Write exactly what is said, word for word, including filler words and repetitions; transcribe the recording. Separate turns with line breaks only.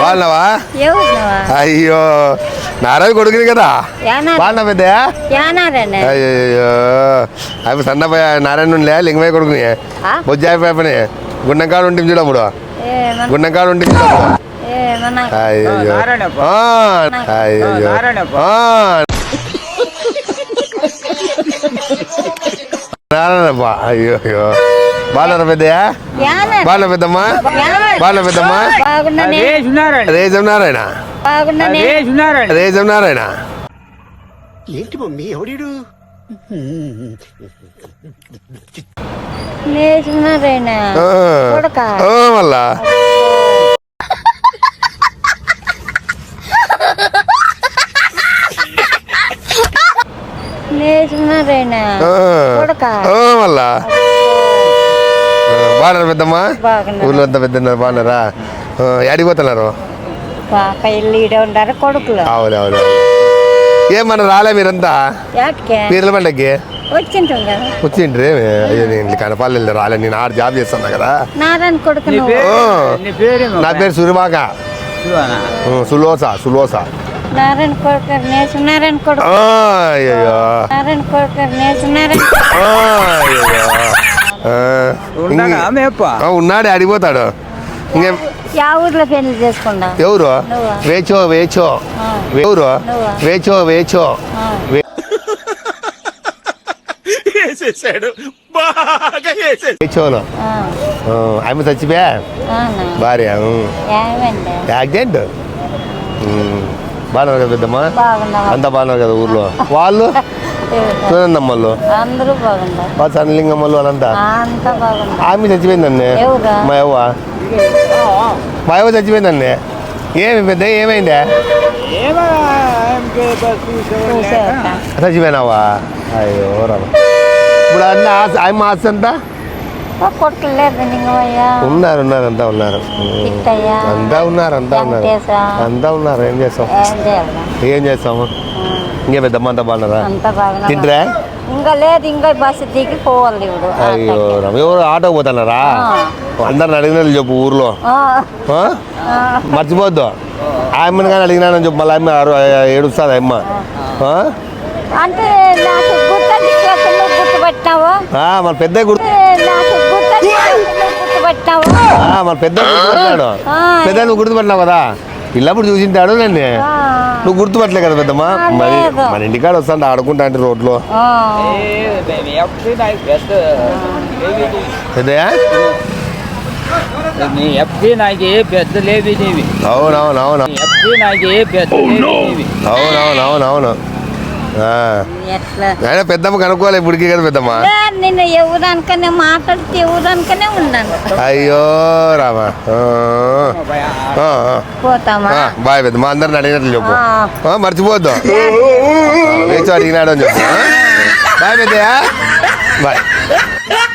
బాగున్నావా? అయ్యో నారాయణ కొడుకుని కదా బాగున్నా పెద్ద. అయ్యో అవి సన్నపోయ నారాయణ లే లింగమయ్య కొడుకుని బొజ్జాయి పేపని గుండంకాడు ఉంటుంది చూడప్పుడు గుండంకాడు ఉంటుంది చూడప్పుడు. అయ్యో అయ్యో నారాయణప్ప. అయ్యో అయ్యో బాగున్నారా పెద్దయా? బాగున్నా పెద్దమ్మా? బాగున్నా పెద్దమ్మా? రేజం నారాయణ రేజం నారాయణ
ఏంటి మమ్మీ ఎవడీడు?
మళ్ళా మళ్ళా బాగున్నారా పెద్దమ్మా? ఊర్లో అంతా పెద్ద బాగున్నారా? అడిగిపోతున్నారు
కొడుకులు.
అవును అవును. ఏమన్నా రాలే మీరంతా పీర్ల పండగకి వచ్చిండ్రి? కనపాలి రాలే. నేను ఆడ జాబ్ చేస్తున్నా కదా. నా పేరు సురిమాక సులోసా సులోసా. ఉన్నాడు అడిగిపోతాడు. ఇంకే
ఊర్లో పెళ్లి చేసుకున్నా.
ఎవరు? వేచో వేచో ఎవరు? వేచో వేచో వేచోలో ఆమె చచ్చిపోయా భార్య యాక్సిడెంట్. బాగున్నారు కదా పెద్దమ్మా? అంతా బాగున్నారు కదా ఊర్లో? వాళ్ళు సునందమ్మలు వాళ్ళు సన్నలింగమ్మలు వాళ్ళంతా ఆమె చచ్చిపోయిందండి. మా యవ్వ మా యవ్వ చచ్చిపోయిందండి. ఏమి పెద్ద ఏమైందా? చచ్చిపోయినావా? అయ్యో రామ. ఇప్పుడు అన్న ఆమె ఆస్తి అంతా ఉన్నారు ఉన్నారు అంతా ఉన్నారు అంతా ఉన్నారు అంతా ఉన్నారు అంతా ఉన్నారు. ఏం చేస్తాం ఏం చేస్తాము? ఇంకే పెద్దమ్మ అంతా బాగున్నారా? తింటరా?
ఇంకా లేదు, ఇంకా బస్సు దిగి పోవాలి.
అయ్యో ఎవరు ఆటో పోతున్నారా? అందరిని అడిగిన చెప్పు ఊర్లో మర్చిపోద్దు. ఆయమ్మని కానీ అడిగినానని చెప్పు. మళ్ళీ అమ్మ ఏడుస్తుంది అమ్మ.
అంటే గుర్తుపెట్టినావు
మన పెద్ద గుర్తు
గుర్తుపెట్టినావు
మన పెద్ద గుర్తుపెట్టాడు. పెద్ద నువ్వు గుర్తుపెట్టినావు కదా. ఇల్లప్పుడు చూసింటాడు నన్ను. నువ్వు గుర్తుపట్టలే కదా పెద్దమ్మా. మరి మన ఇంటికాడ వస్తాంటే ఆడుకుంటా అంటే రోడ్లో పెద్దయా. అవునవునవును అవునవునవునవును. అయినా పెద్దమ్మ కనుక్కోవాలి ఇప్పటికీ కదా పెద్దమ్మ.
నేను ఎవరానికనే మాట్లాడితే ఎవరానికనే ఉన్నాను.
అయ్యో రామా.
పోతామా?
బాయ్ పెద్దమ్మ. అందరిని అడిగినట్లు చెప్పు. మర్చిపోద్దు. వేచి అడిగినాడు అని చెప్పు. బాయ్ పెద్దయా. బాయ్.